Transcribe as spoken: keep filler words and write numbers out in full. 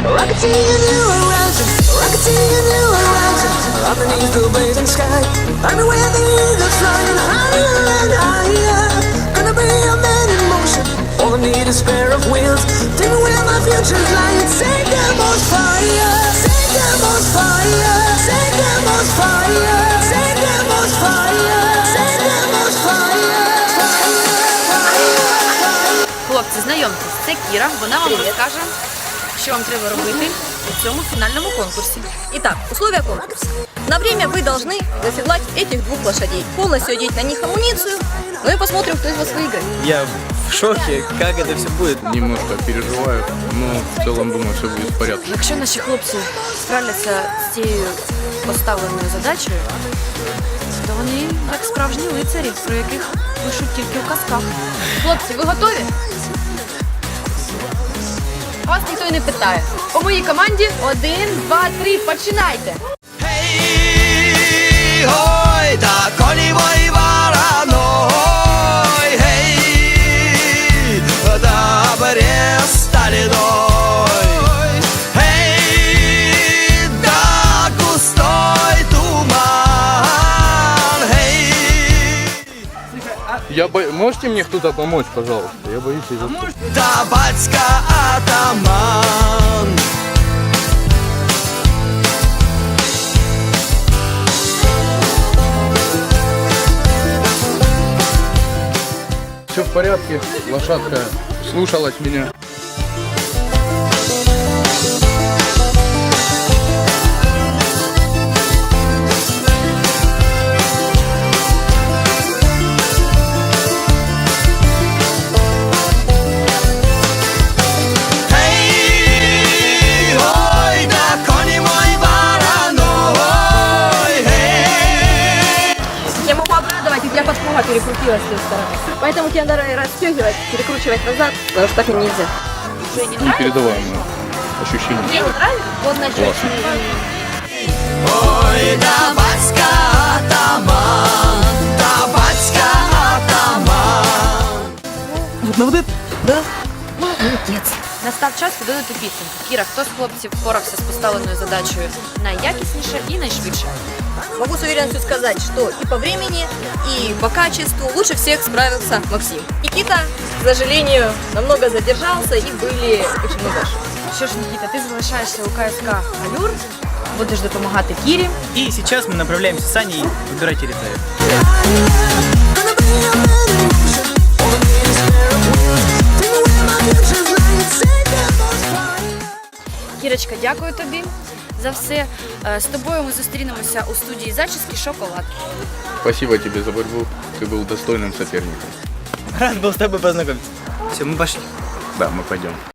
Rocketing a new horizon, rocketing a new horizon. Underneath the blazing sky, I'm where the eagles flying higher and higher. Gonna be a man in motion, all I need is a pair of wheels. Tell me where my future's lying. Set them on fire, set them on fire, set them on fire, set them on fire, set them on fire. Хлопці, знайомтесь, це Кіра, вона вам розкаже, що вам треба робити у цьому фінальному конкурсі. Итак, условия конкурса. На время вы должны заседлать этих двух лошадей, полностью одеть на них амуницию, ну и посмотрим, кто из вас выиграет. Я в шоке, как это все будет. Немножко переживаю, но в целом думаю, все будет в порядке. Якщо наші хлопці справляться з цією поставленою задачею, то вони як справжні лицарі, про яких пишуть тільки в казках. Хлопці, ви готові? Вас ніхто й не питає. По моїй команді один, два, три, починайте! Hej, hoj, da koni moji varaной, hej, da brestali doj, hej, da gusтой туман, hej. Я бо... Можете мне кто-то помочь, пожалуйста? Я боюсь из-за... Да батька атаман. Все в порядке, лошадка слушалась меня. Hej, hoj, da koni moji varaной, hej. Я могу обрадовать, и у тебя подпруга перекрутилась с той стороны. Поэтому тебе надо расстегивать, перекручивать назад, потому что так и нельзя. Непередаваемое ощущение. Мне не нравится? Вот начать. Классно. Ой, да батька атаман, да батька атаман. Ну вот это, да? Молодец. Настав час підводити підсумки. Кіра, хто з хлопців впорався з поставленою задачею найякісніше і найшвидше? Могу с уверенностью сказать, что и по времени, и по качеству лучше всех справился Максим. Никита, к сожалению, намного задержался и были очень много ошибок. Що ж, Нікіта, ти залишаєшся у КСК «Алюр», будеш допомагати Кірі. И сейчас мы направляемся с Аней выбирать территорию. Gonna be a man in motion, all I need is a pair of wheels. Tell me where my future's lying. Set them on fire. Кірочка, дякую тобі за все. Е, З тобою ми зустрінемося у студії зачіски «Шоколад». Спасибо тебе за борьбу, ты был достойным соперником. Рад был с тобой познакомиться. Все, мы пошли. Да, мы пойдем.